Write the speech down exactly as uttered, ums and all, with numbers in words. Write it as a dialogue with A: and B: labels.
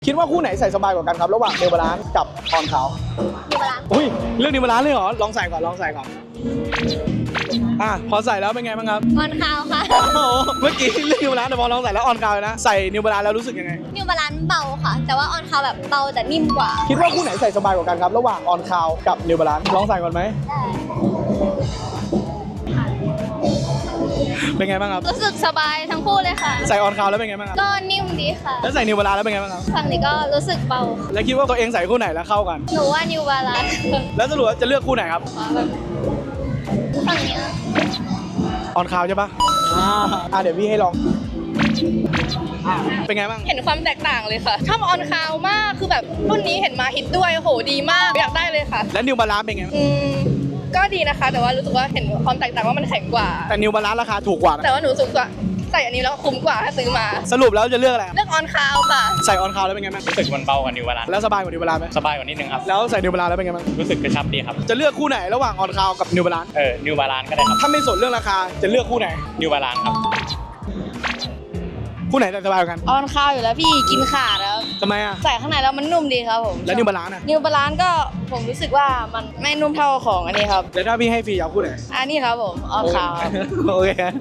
A: คิดว่าคู่ไหนใส่สบายกว่ากันครับระหว่างเนวบาลานซ์กับออนคาว
B: นิวบาลานซ์
A: อุ้ยเรื่องเนวบาลานซ์เลยเหรอลองใส่ก่อนลองใส่ก่อนอ่ะพอใส่แล้วเป็นไงบ้างครับ
B: ออนคาวค่ะ
A: โอ้โหเมื่อกี้เรื่องเนวบาลานซ์แต่พอลองใส่แล้วออนคาวเลยนะใส่เนวบาลานซ์แล้วรู้สึกยังไง
B: นิวบาลานซ์เบาค่ะ แต่ว่าออนคาวแบบเบาแต่นิ่มกว่า
A: คิดว่าคู่ไหนใส่สบายกว่ากันครับระหว่างออนคาวกับเนวบาลานซ์ลองใส่ก่อนไหมเป็นไงบ้างครับ
B: รู้สึกสบายทั้งคู่เลยค่ะ
A: ใส่ออนคาวแล้วเป็นไงบ้างครับ
B: ก็นิ่มดีค่ะ
A: แล้วใส่เนวบาลานซ์แล้วเป็นไงบ้างครับ
B: ฝั่งนี้ก็รู้สึกเบา
A: แล้วคิดว่าตัวเองใส่คู่ไหนแล้วเข้ากัน
B: หนูว่านิวบาลานซ์
A: แล้วสรุปว่าจะเลือกคู่ไหนครับ
B: ฝั่งนี้
A: ออนคาวใช่ปะอ่าอ่ะเดี๋ยวพี่ให้ลองอ่ะเป็นไงบ้าง
C: เห็นความแตกต่างเลยค่ะชอบออนคาวมากคือแบบรุ่นนี้เห็นมาฮิตด้วยโหดีมากอยากได้เลยค่ะ
A: แล้วนิวบาลานซ์เป็นไงบ้าง
C: อืมก็ดีนะคะ แต่ว่ารู้สึกว่าเห็นความแตกต่างว่ามันแข็งกว่า
A: แต่นิวบาลานซ์ราคาถูกกว่านะ
C: แต่ว่าหนูรู้สึกว่าใส่อันนี้แล้วคุ้มกว่าถ้าซื้อมา
A: สรุปแล้วจะเลือกอะไร
C: เลือกออนคาวค่ะ
A: ใส่ออนคาวแล้วเป็นไงบ้าง
D: รู้สึกมันเบากว่านิวบาลานซ์
A: แล้วสบายกว่านิวบาลานซ์ไหม
D: สบายกว่านิดนึงครับ
A: แล้วใส่นิวบาลานซ์แล้วเป็นไงบ้าง
D: รู้สึกกระชับดีครับ
A: จะเลือกคู่ไหนระหว่างออนคาวกับนิวบาลานซ์
D: เออนิวบาลานซ์ก็ได้ครับ
A: ถ้าไม่สนเรื่องราคาจะเลือกคู่ไหน
D: นิวบาลานซ์ครับ
A: คู่ไหนใส่สบายกว่ากัน
C: ออนคาวอยู่แล้วพี่กินขาดแล้ว
A: ทำไมอ่ะ
C: ใส่ข้างในแล้วมันนุ่มดีครับผม
A: แล้วนิวบาลานซ์อ่ะ
C: นิวบาลานซ์ก็ผมรู้สึกว่ามันไม่นุ่มเท่าของอันนี้ครับ
A: แล้วถ้าพี่ให้ฟรีเอาคู่ไหน
C: อันนี้ครับผมออนคาว
A: โอเค